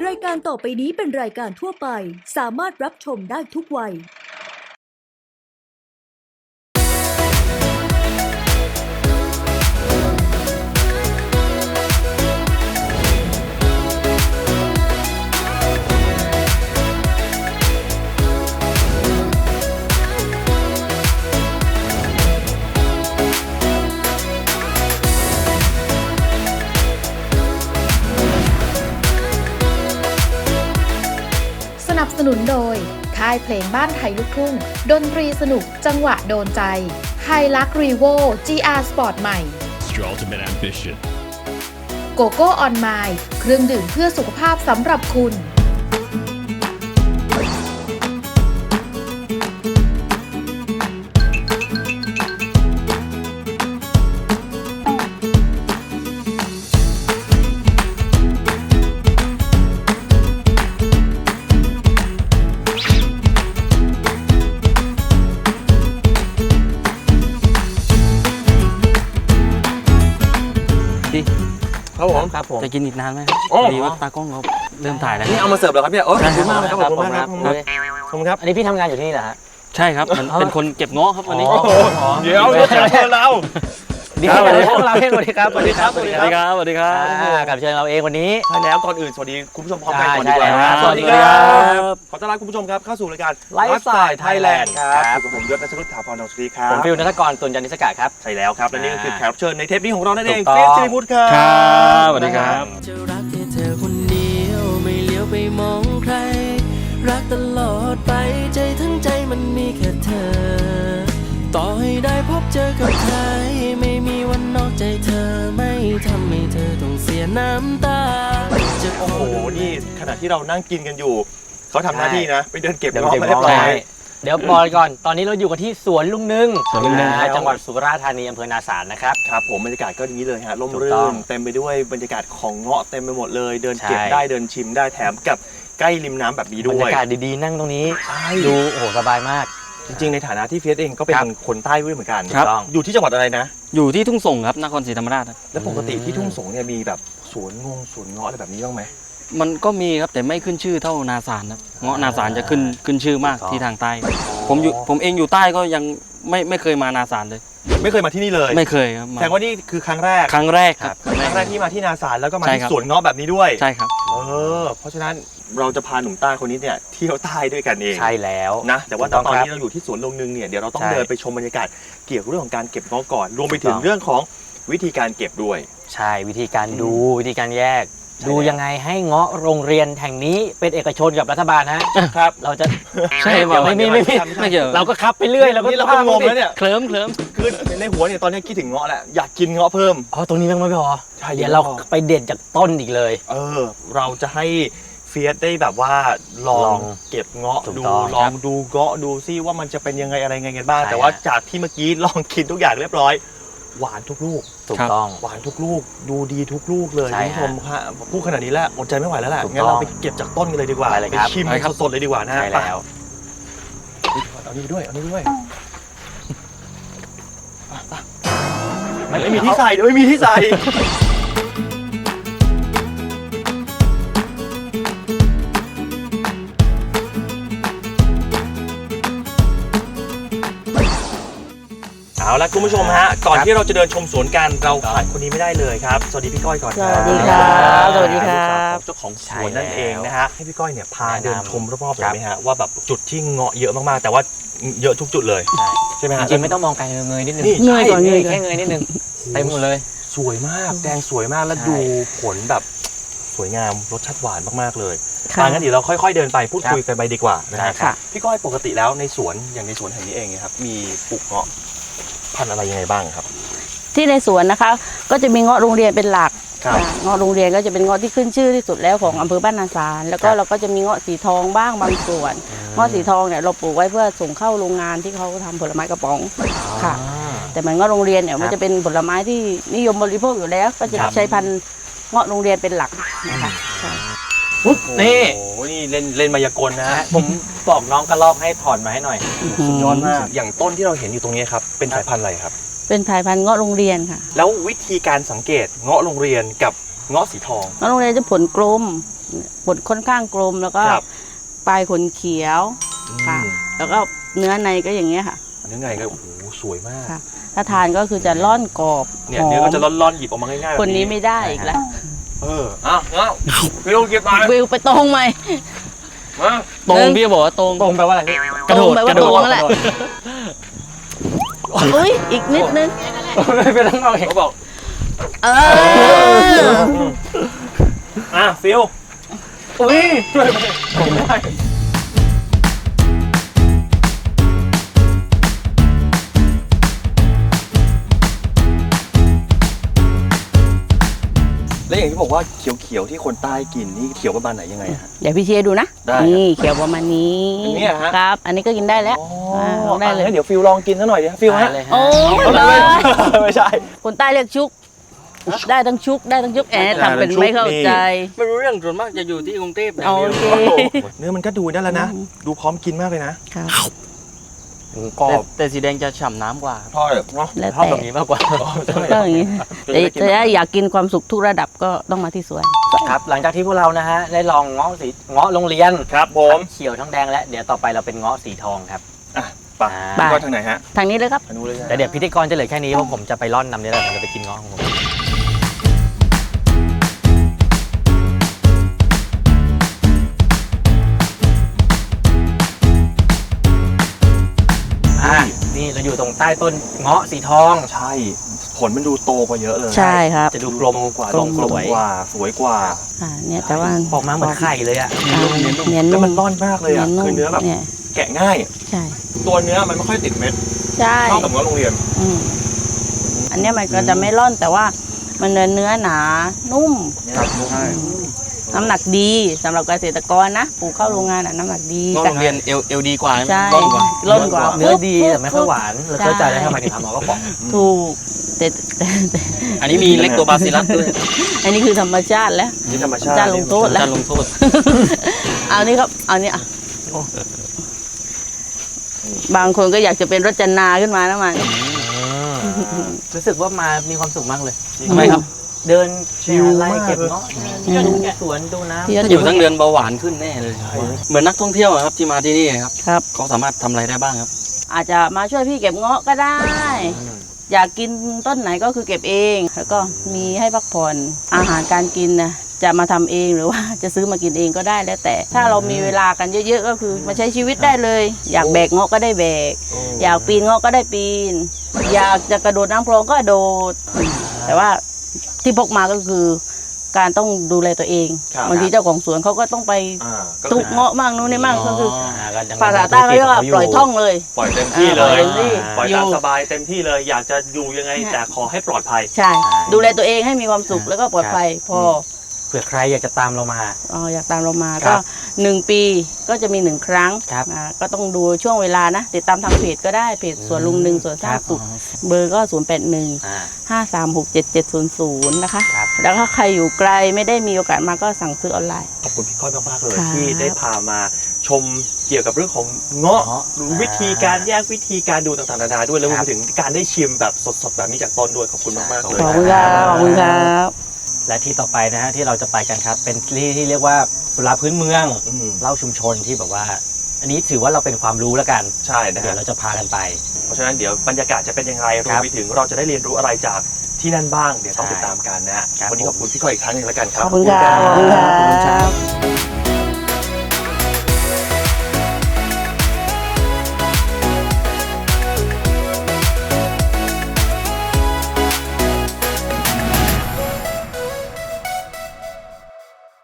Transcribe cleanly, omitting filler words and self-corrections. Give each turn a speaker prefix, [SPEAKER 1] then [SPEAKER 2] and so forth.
[SPEAKER 1] รายการต่อไปนี้เป็นรายการทั่วไปสามารถรับชมได้ทุกวัย
[SPEAKER 2] สนับสนุนโดยค่ายเพลงบ้านไทยลูกทุ่งดนตรีสนุกจังหวะโดนใจไฮลักรีโว GR Sport ใหม่
[SPEAKER 3] Your ultimate ambition.
[SPEAKER 2] โกโก้ออนไมล์เครื่องดื่มเพื่อสุขภาพสำหรับคุณ
[SPEAKER 4] ครับผม
[SPEAKER 5] จะกินอีกนานไหม
[SPEAKER 4] โอ้
[SPEAKER 5] พอดีว่าตากล้องเขาเริ่มถ่ายแล้ว
[SPEAKER 4] นี่เอามาเสิร์ฟเหรอครับเนี่ยโอ้ขอบคุณมากครับขอบคุณมากครับขอบคุณครับ
[SPEAKER 6] อันนี้พี่ทำงานอยู่ที่นี่เหรอฮะ
[SPEAKER 5] ใช่ครับเป็นคนเก็บเงาะครับวันนี้
[SPEAKER 4] เดี๋ยวเรา
[SPEAKER 6] เดี๋ยวเราเองสวัสดีครับสวัสดีครับ
[SPEAKER 5] สวัสดีครับสวัสดีครับ
[SPEAKER 6] กับเชิญเราเองวันนี้
[SPEAKER 4] ใช่แล้วก่อนอื่นสวัสดีคุณผู้ชมพร้อมกันก่อนดีกว่า
[SPEAKER 6] ใช่แล้ว
[SPEAKER 4] สวัสดีครับขอต้อนรับคุณผู้ชมครับเข้าสู่รายการ
[SPEAKER 6] Lifestyle
[SPEAKER 4] Thailand ครับ
[SPEAKER 6] ครับ
[SPEAKER 4] อยู่กับผมยศนัชรุตถาพรนนท์สวัสดีครั
[SPEAKER 6] ผม
[SPEAKER 4] บ
[SPEAKER 6] ฟิลนัทกรตุลจันทิสกะครับ
[SPEAKER 4] ใช่แล้วครับและนี่ก็คือแขกรับเชิญในเทปนี้ของเรานั่นเอง
[SPEAKER 6] ถูกต้อง
[SPEAKER 4] เฟียสจิริพุทธครับ
[SPEAKER 5] ครับสวัสดีครับ
[SPEAKER 7] จะรักแค่เธอคนเดียวไม่เลี้ยวไปมองใคร รักตลอดไปใจทั้งใจมันมีแค่เธอ ต่อให้ได้พบเจอกับใครไม่มีวันนอกใจเธอไม่ทำให้เธอต้องเสียน้ำตาจะ
[SPEAKER 4] โอ้โหนี่ขณะที่เรานั่งกินกันอยู่เขาทำหน้าที่นะไปเดินเก็บ
[SPEAKER 6] เดี๋ยว
[SPEAKER 4] เงาะ
[SPEAKER 6] เก็บ
[SPEAKER 4] มาเรียบ
[SPEAKER 6] เงาะ
[SPEAKER 4] ร้อย
[SPEAKER 6] ให้ เดี๋ยวบอกก่อนตอนนี้เราอยู่กันที่สวนลุงนึ่ง
[SPEAKER 5] สวนลุงนึ่ง
[SPEAKER 6] จังหวัดสุราษฎร์ธานีอำเภอนาสารนะครับ
[SPEAKER 4] ครับผมบรรยากาศก็อย่างนี้เลยฮะร่ม
[SPEAKER 6] ถูก
[SPEAKER 4] รื่
[SPEAKER 6] ต้อง
[SPEAKER 4] นเต็มไปด้วยบรรยากาศของเงาะเต็มไปหมดเลย เดินเก็บ
[SPEAKER 6] ใช่
[SPEAKER 4] ได้เดินชิมได้แถมกับใกล้ริมน้ำแบบนี้
[SPEAKER 6] บร
[SPEAKER 4] ด้
[SPEAKER 6] ร
[SPEAKER 4] วย
[SPEAKER 6] ยากาศดีๆนั่งตรงนี้
[SPEAKER 4] ใช่
[SPEAKER 6] ดูโอ้โหสบายมาก
[SPEAKER 4] จริงๆในฐานะที่เฟียสเองก็เป็น
[SPEAKER 6] ครับ
[SPEAKER 4] คนใต้ด้วยเหมือนกัน
[SPEAKER 5] ครับ
[SPEAKER 4] อยู่ที่จังหวัดอะไรนะ
[SPEAKER 5] อยู่ที่ทุ่งส่งครับนครศรีธรรมราชครับ
[SPEAKER 4] แล้วปกติที่ทุ่งสงเนี่ยมีแบบสวนเงาะอะไรแบบนี้บ้างไหม
[SPEAKER 5] มันก็มีครับแต่ไม่ขึ้นชื่อเท่านาสารครับเงาะนาสารจะขึ้นชื่อมากที่ทางใต้ ผมเองอยู่ใต้ก็ยังไม่เคยมานาสารเลย
[SPEAKER 4] ไม่เคยมาที่นี่เลย
[SPEAKER 5] ไม่เคยครับ
[SPEAKER 4] แสดงว่านี่คือครั้งแรก
[SPEAKER 5] ครั้งแรกครับ
[SPEAKER 4] ครั้งแรกที่มาที่นาสารแล้วก็มา
[SPEAKER 5] ใช่
[SPEAKER 4] ที่
[SPEAKER 5] ครับ
[SPEAKER 4] สวนเงาะแบบนี้ด้วย
[SPEAKER 5] ใช่ครับ
[SPEAKER 4] เพราะฉะนั้นเราจะพาหนุ่มใต้คนนี้เนี่ยเที่ยวใต้ด้วยกันเอง
[SPEAKER 6] ใช่แล้ว
[SPEAKER 4] นะแต่ว่า
[SPEAKER 6] ถูกต้อง
[SPEAKER 4] ตอน
[SPEAKER 6] ครับ
[SPEAKER 4] นี้เราอยู่ที่สวนลงนึงเนี่ยเดี๋ยวเราต้อง
[SPEAKER 6] ใช่
[SPEAKER 4] เดินไปชมบรรยากาศเกี่ยวกับเรื่องของการเก็บเงาะก่อน รวมไปถึ
[SPEAKER 6] ถู
[SPEAKER 4] ง
[SPEAKER 6] กต้อง
[SPEAKER 4] เรื่องของวิธีการเก็บด้วย
[SPEAKER 6] ใช่วิธีการดูวิธีการแยก
[SPEAKER 4] ใช่
[SPEAKER 6] ดูยังไงให้เงาะโรงเรียนแห่งนี้เป็นเอกชนกับรัฐบาลฮะ
[SPEAKER 4] ครับ
[SPEAKER 6] เราจะ
[SPEAKER 5] ใช่
[SPEAKER 6] เดี๋ยวไม่มี
[SPEAKER 5] ไม่เกี่ยว
[SPEAKER 6] เราก็คับไปเรื่อยเราก็
[SPEAKER 4] นี่เราก็งงแล้วเนี่ย
[SPEAKER 5] เคลิ้ม
[SPEAKER 4] คือในหัวเนี่ยตอนนี้คิดถึงเงาะแหละอยากกินเงาะเพิ่ม
[SPEAKER 6] อ๋อตรงนี้ยังไม่พอ
[SPEAKER 4] ใช่
[SPEAKER 6] เดี๋ยวเราไปเด็ดจากต้นอีกเลย
[SPEAKER 4] เราจะให้เฟียสได้แบบว่าลอ
[SPEAKER 6] ลอง ง
[SPEAKER 4] เก็บเงาะ
[SPEAKER 6] ถูก
[SPEAKER 4] ดู
[SPEAKER 6] ต้อง
[SPEAKER 4] ลองดูเงาะดูซิว่ามันจะเป็นยังไงอะไรไงกันบ้าง
[SPEAKER 6] ใช่
[SPEAKER 4] แต่ว่า
[SPEAKER 6] ฮะ
[SPEAKER 4] จากที่เมื่อกี้ลองกินทุกอย่างเรียบร้อยหวานทุกลูก
[SPEAKER 6] ถูกต้อง
[SPEAKER 4] หวานทุกลูกดูดีทุกลูกเลย
[SPEAKER 6] ใช่
[SPEAKER 4] คุณผู้ชมครับพูดขนาดนี้แล้วอดใจไม่ไหวแล้วแหละ
[SPEAKER 6] ถูกต้อง
[SPEAKER 4] งั้นเราไปเก็บจากต้นกันเลยดีกว่า
[SPEAKER 6] ไปเลยครับ
[SPEAKER 4] ชิมสดๆเลยดีกว่านะ
[SPEAKER 6] ใช่แล้ว
[SPEAKER 4] เอานี่ด้วยเอานี่ด้วยไม่มีที่ใส่เดี๋ยวไม่มีที่ใส่เอาละคุณผู้ชมฮะก่อนที่เราจะเดินชมสวนกันเราขาดคนนี้ไม่ได้เลยครับสวัสดีพี่ก้อยก่อนครับ
[SPEAKER 6] สวัสดีครับสวัสดีครับ
[SPEAKER 4] เจ้าของสวนนั่นเองนะฮะให้พี่ก้อยเนี่ยพาเดินชมรอบๆเลยไหมฮะว่าแบบจุดที่เงาะเยอะมากๆแต่ว่าเยอะทุกจุดเลยใช่ไหมฮะ
[SPEAKER 6] จริงๆไม่ต้องมองไกลเงยนิดนึง
[SPEAKER 4] นี่
[SPEAKER 6] เงยก่อนเงยแค่เงยนิดนึงเต็มหมดเลย
[SPEAKER 4] สวยมากแดงสวยมากแล้ว
[SPEAKER 6] ใช่
[SPEAKER 4] ดูผลแบบสวยงามรสชาติหวานมากๆเลยงั้นเดี๋ยวเราค่อยๆเดินไปพูดคุยกันไปดีกว่านะฮะ
[SPEAKER 6] ค่ะ
[SPEAKER 4] พี่ก้อยปกติแล้วในสวนอย่างในสวนแห่งนี้เองเนี่ยครับมีปลูกเงาะพันธุ์อะไรยังไงบ้างครับ
[SPEAKER 8] ที่ในสวนนะคะก็จะมีเงาะโรงเรียนเป็นหลัก
[SPEAKER 4] ครับ
[SPEAKER 8] เงาะโรงเรียนก็จะเป็นเงาะที่ขึ้นชื่อที่สุดแล้วของอำเภอบ้านนาสารแล้วก็
[SPEAKER 4] ครับ
[SPEAKER 8] เราก็จะมีเงาะสีทองบ้างบางส่วนเงาะสีทองเนี่ยเราปลูกไว้เพื่อส่งเข้าโรงงานที่เขาทำผลไม้กระป๋องค่ะ แต่เหมือนเงาะโรงเรียนเนี่ยมันจะเป็นผลไม้ที่นิยมบริโภคอยู่แล้ว ก็จะ
[SPEAKER 4] ครับ
[SPEAKER 8] ใช้พันธุ์เงาะโรงเรียนเป็นหลักนะคะค่ะ
[SPEAKER 6] นี่
[SPEAKER 4] โอ้โหนี่เล่นมายากลนะฮะ
[SPEAKER 6] ผมบอกน้องกระลอกให้ถอนมาให้หน่อย
[SPEAKER 4] สุดยอดมากอย่างต้นที่เราเห็นอยู่ตรงนี้ครับเป็นสายพันธุ์อะไรครับ
[SPEAKER 8] เป็นสายพันธุ์เงาะโรงเรียนค่ะ
[SPEAKER 4] แล้ววิธีการสังเกตเงาะโรงเรียนกับเงาะสีทอง
[SPEAKER 8] เงาะโรงเรียนจะผลกลมผลค่อนข้างกลมแล้วก็
[SPEAKER 4] ครับ
[SPEAKER 8] ปลายขนเขียวค่ะ แล้วก็เนื้อในก็อย่างเงี้ยค่ะ
[SPEAKER 4] เนื้อไงก็โอ้โหสวยมาก
[SPEAKER 8] ค่ะ ถ้าทานก็คือจะร่อนกรอบ
[SPEAKER 4] เนี่ย
[SPEAKER 8] หอ
[SPEAKER 4] เนื้อก็
[SPEAKER 8] ม
[SPEAKER 4] จะร่อนๆหยิบออกมาง่ายๆแบบ
[SPEAKER 8] คนนี้ไม่ได้อีกแล้ว
[SPEAKER 4] อ้าวพี่ลูกเก็บมา
[SPEAKER 8] วิวไปตรงไหม
[SPEAKER 4] มา
[SPEAKER 5] ตรงพี่บอกว่าตรง
[SPEAKER 6] ตรงแปลว่าอะไรพี่
[SPEAKER 5] กระโดด
[SPEAKER 8] ตรงแปลว่าก
[SPEAKER 5] ระโดด
[SPEAKER 8] ตรงนั่นแหละ อุ้ยอีกนิดนึง
[SPEAKER 6] ไม่เป็นไรเอาเอง
[SPEAKER 4] เขาบอก
[SPEAKER 8] เออ
[SPEAKER 4] ฟิลอุ้ยผมได้ แล้วอย่างที่บอกว่าเขียวๆที่คนใต้กินนี่เขียวประมาณไหนยังไงฮะ
[SPEAKER 8] เดี๋ยวพี่เชียร์ดูนะ
[SPEAKER 4] ได้ครับ
[SPEAKER 8] นี่เขียวประมาณนี้
[SPEAKER 4] อันเนี้ยฮะ
[SPEAKER 8] ครับ อันนี้ก็กินได้แล้วลองได้เลย
[SPEAKER 4] เดี๋ยวฟิลลองกินซะหน่อยดิฟิลฮะ
[SPEAKER 6] เลยฮะ
[SPEAKER 8] โอ้ย
[SPEAKER 4] ไม่ใช่
[SPEAKER 8] คนใต้เรียกชุก ได้ทั้งชุกได้ทั้งชุกทำเป็นไม่เข้าใจ
[SPEAKER 5] ไม่รู้เรื่องส่วนมากจะอยู่ที่กรุงเทพอย่าง
[SPEAKER 8] โอ
[SPEAKER 5] เดียว
[SPEAKER 8] เค
[SPEAKER 4] เนื้อมันก็ดูได้แล้วนะ ดูพร้อมกินมากเลยนะครับ กรอ
[SPEAKER 5] แต่
[SPEAKER 4] บ
[SPEAKER 5] แต่สีแดงจะฉ่ำน้ำกว่า
[SPEAKER 4] ทอดเนาะ
[SPEAKER 8] แล้ว
[SPEAKER 6] ชอบ
[SPEAKER 8] แต่
[SPEAKER 6] แบบนี้มากกว่า
[SPEAKER 8] ก็อย่างนี้แต่ถ้าอยากกินความสุขทุกระดับก็ต้องมาที่สวน
[SPEAKER 6] ครับ หลังจากที่พวกเรานะฮะได้ลองเงาะโรงเรียน
[SPEAKER 4] ครับผม
[SPEAKER 6] ทั้งเขียวทั้งแดงและเดี๋ยวต่อไปเราเป็นเงาะสีทองครับ
[SPEAKER 4] อ่ะไป
[SPEAKER 8] ไป
[SPEAKER 4] ก็ทางไหนฮะ
[SPEAKER 8] ทางนี้เลยครับ
[SPEAKER 4] ทางนู้นเลยนะ
[SPEAKER 6] แต่เดี๋ยวพิธีกรจะเหลือแค่นี้เพราะผมจะไปร่อนนำนี่แหละผมจะไปกินเงาะของผมนี่เราอยู่ตรงใต้ต้นเงาะสีทอง
[SPEAKER 4] ใช่ ผลมันดูโตกว่าเยอะเลย
[SPEAKER 8] ใช่ครับ
[SPEAKER 6] จะดูกลมกว่า
[SPEAKER 8] กลม
[SPEAKER 6] สวย
[SPEAKER 4] กว่าสวยกว่า
[SPEAKER 8] เนี่ยแต่ว่า
[SPEAKER 6] ออกมาเหมือนไข่เลยอ่ะ
[SPEAKER 8] เนียน
[SPEAKER 4] แล้ว
[SPEAKER 8] นุ่ม
[SPEAKER 4] มันร่อนมากเลยอ่ะคือเนื้อแบบ
[SPEAKER 8] เนี่ย
[SPEAKER 4] แกะง่าย
[SPEAKER 8] ใช่
[SPEAKER 4] ตัวเนื้อมันไม่ค่อยติดเม็ด
[SPEAKER 8] ใช่
[SPEAKER 4] เท่ากับเนื้อโรงเรียน
[SPEAKER 8] อืมอันเนี้ยมันก็จะไม่ร่อนแต่ว่ามันเนื้อหนานุ่ม
[SPEAKER 4] ครับใช่
[SPEAKER 8] น้ำหนักดีสำหรับเกษตรกรนะปลูกเข้าโรงงานน้ำหนักดี
[SPEAKER 5] นอกโรงเรียนเอลดีกว่า
[SPEAKER 8] ใช่
[SPEAKER 5] ร่อนกว่า
[SPEAKER 8] ร่อนกว่า
[SPEAKER 6] เนื้อดีแต่ไม่ค่อยหวานเราเข้าใจแล้วทำไมถึงทำเงาะกระป๋อง
[SPEAKER 8] ถูกแต่
[SPEAKER 5] อันนี้มีเล็กตัวบาซิลัสด้วย
[SPEAKER 8] อันนี้คือธรรมชาติแล้ว
[SPEAKER 4] นี่ธรรมชาติ
[SPEAKER 8] จานลงโทษแล้ว
[SPEAKER 5] การลงโทษ
[SPEAKER 8] เอานี่ครับเอานี่อ่ะบางคนก็อยากจะเป็นรจนาขึ้นมานะมัน
[SPEAKER 6] รู้สึกว่ามามีความสุขมากเลย
[SPEAKER 5] ทำไมครับ
[SPEAKER 6] เดินไล่เก็บเงาะดูสวนดูน้ำ
[SPEAKER 8] ที่
[SPEAKER 5] ถ้าอยู่ทั้งเดือนเบาหวานขึ้นแน่เลย เหมือนนักท่องเที่ยวอะครับที่มาที่นี่ครับ
[SPEAKER 8] ครับ
[SPEAKER 5] เขาสามารถทำอะไรได้บ้างครับ
[SPEAKER 8] อาจจะมาช่วยพี่เก็บเงาะก็ได้ อยากกินต้นไหนก็คือเก็บเอง แล้วก็มีให้พักผ่อนอาหารการกินนะจะมาทำเองหรือว่าจะซื้อมากินเองก็ได้แล้วแต่ถ้าเรามีเวลากันเยอะๆก็คือมาใช้ชีวิตได้เลย อยากแบกเงาะก็ได้แบก อยากปีนเงาะก็ได้ปีน อยากจะกระโดดน้ำโคลงก็โดด แต่ว่าที่พกมาก็คือการต้องดูแลตัวเองบางทีเจ้าของสวนเขาก็ต้องไป ตุกเงาะมั่งนู้นนี่มั่งก็คือภาษาใต้เขาเรียกว่าปล่อยท่องเลย
[SPEAKER 4] ปล่อยเต็มที่เล
[SPEAKER 8] ปล่อย ยเต็มที่
[SPEAKER 4] ปล่อย
[SPEAKER 8] อยู่
[SPEAKER 4] ตามสบายเต็มที่เลย อยากจะอยู่ยังไงแต่ขอให้ปลอดภัย
[SPEAKER 8] ใช่ ดูแลตัวเองให้มีความสุขแล้วก็ปลอดภัยพอ
[SPEAKER 6] เผื่อใครอยากจะตามเรามา
[SPEAKER 8] อยากตามเรามา
[SPEAKER 6] ครั
[SPEAKER 8] ก็
[SPEAKER 6] บ
[SPEAKER 8] 1 ปีก็จะมี1 ครั้ง
[SPEAKER 6] ครับ
[SPEAKER 8] ก็ต้องดูช่วงเวลานะติดตามทางเพจก็ได้เพจสวนลุงหนึ่งสวนสร้างสุขเบอร์ก็ 0815367700 นะคะ
[SPEAKER 6] ครับ
[SPEAKER 8] แล้วถ้าใครอยู่ไกลไม่ได้มีโอกาสมาก็สั่งซื้อออนไลน์
[SPEAKER 4] ขอบคุณพี่ก้อยมากๆเลย
[SPEAKER 8] ครับ
[SPEAKER 4] ที่ได้พามาชมเกี่ยวกับเรื่องของเงาะดูวิธีการแยกวิธีการดูต่างๆนานาด้วยแล้วรวมไปถึงการได้ชิมแบบสดๆแบบนี้จากต้นด้วยขอบคุณมากๆเลย
[SPEAKER 8] ขอบคุณครับขอบคุณครับ
[SPEAKER 6] และที่ต่อไปนะฮะที่เราจะไปกันครับ เป็นที่เรียกว่าสุราพื้นเมือง
[SPEAKER 4] อืม
[SPEAKER 6] เล่าชุมชนที่แบบว่า อันนี้ถือว่าเราเป็นความรู้แล้วกัน
[SPEAKER 4] ใช่นะ
[SPEAKER 6] เดี๋ย
[SPEAKER 4] ฮะ
[SPEAKER 6] วเราจะพากันไป
[SPEAKER 4] เพราะฉะนั้นเดี๋ยวบรรยากาศจะเป็นอย่างไรร
[SPEAKER 6] คว รั
[SPEAKER 4] ม
[SPEAKER 6] บ
[SPEAKER 4] ไปถึงเราจะได้เรียนรู้อะไรจากที่นั่นบ้างเดี๋ยวต้อง
[SPEAKER 6] ใช่
[SPEAKER 4] ติดตามกันนะฮะ
[SPEAKER 6] ครับ
[SPEAKER 4] วันนี้ขอบคุณพี่ก้อยอีกครั้งหนึงแล้วกันครับ
[SPEAKER 8] ขอบคุณครับ
[SPEAKER 6] ขอบคุณครับ